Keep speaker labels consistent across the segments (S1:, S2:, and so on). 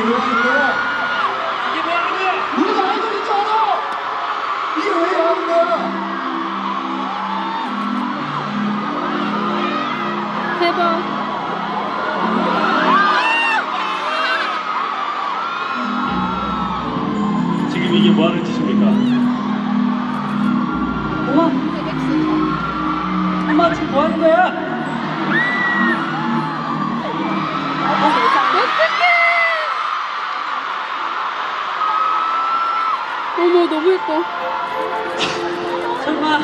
S1: 왜 하는 거야?
S2: 이게 왜 하는 거야?
S1: 우리가 아이돌인 줄 알아! 이게 왜 하는 거야?
S3: 대박.
S2: 지금 이게 뭐 하는 짓입니까?
S4: 엄마! 엄마 지금 뭐 하는 거야?
S3: 어떡해! 어머, 너무 예뻐.
S4: 설마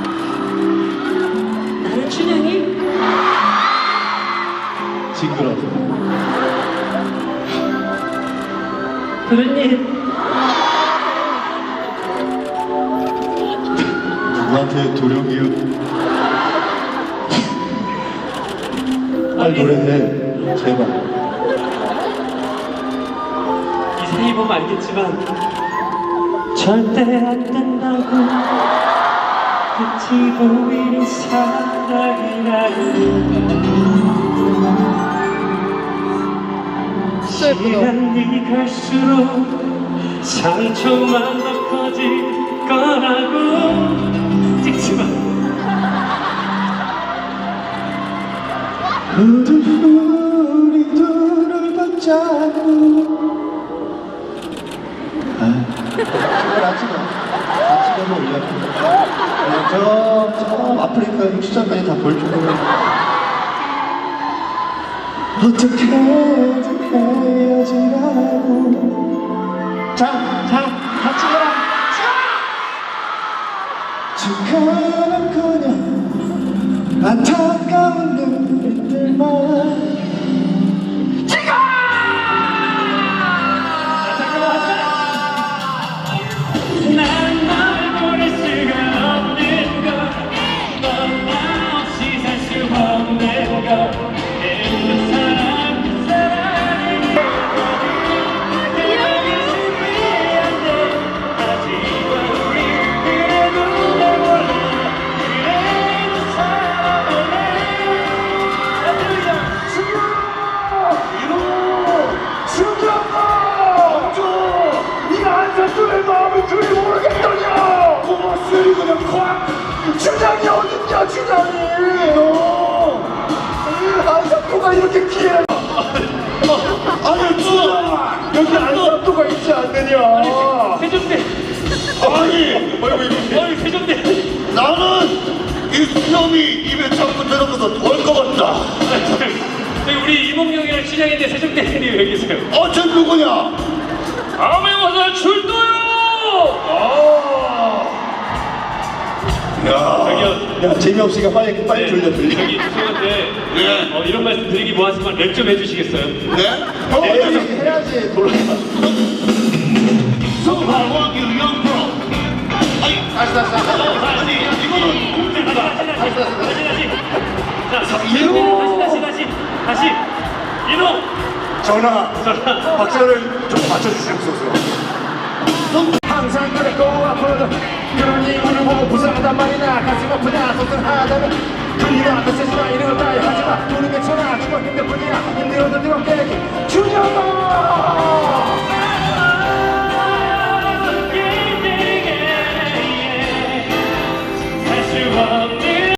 S4: 나는 춘향이?
S1: 징그러워.
S4: 도련님
S1: 누구한테 도령이요? 빨리 노래해. 제발.
S2: 이 사이 보면 알겠지만 절대 안 된다고 끝이 보이는 사랑이라는
S3: 진짜 예쁘다.
S2: 시간이 갈수록 상처만 더 커질 거라고 찍지마.
S1: 모두 우리 눈을 붙잡고 아침에 올려. 저 아프리카 육수장까지 다 볼 정도로 어떻게든 헤어지라고. 자, 같이 가라. 죽어가는 그녀 안타까운 눈빛들만
S2: 난 널 버릴 수가 없는 걸, 넌 나 없이 살 수 없는 걸. 그 사랑이 여기서는 안 돼. 하지만 우리 그래도 내 몰라. 그래도 사랑해.
S1: 주장이 어딨냐 주장이 너 안산도가 이렇게 기회 아니 주장아 여기 안산도가 있지 않느냐
S2: 세종대.
S1: 아니
S2: 세종대.
S1: 나는 이 수염이 입에 자꾸 들어가서 더울 것 같다
S2: 저희 우리 이몽룡이랑 춘향인데 세종대님 왜 계세요?
S1: 쟤 누구냐
S2: 다음에 와서 출동요.
S1: 야 재미없으니까 빨리 돌려
S2: 저기 죄송한데 이런 말씀 드리기 뭐하지만 랩 좀 해주시겠어요?
S1: 네? 해야지 돌아가 소방왕유 영프로 다시 이거는
S2: 다시 이놈
S1: 전하 박자를 좀 맞춰주시옵소서 항상 그랬고 앞으로도 그런 이유를 보고 불쌍하단 말이나 가슴 아프다 소등하다면 그이가 앞에서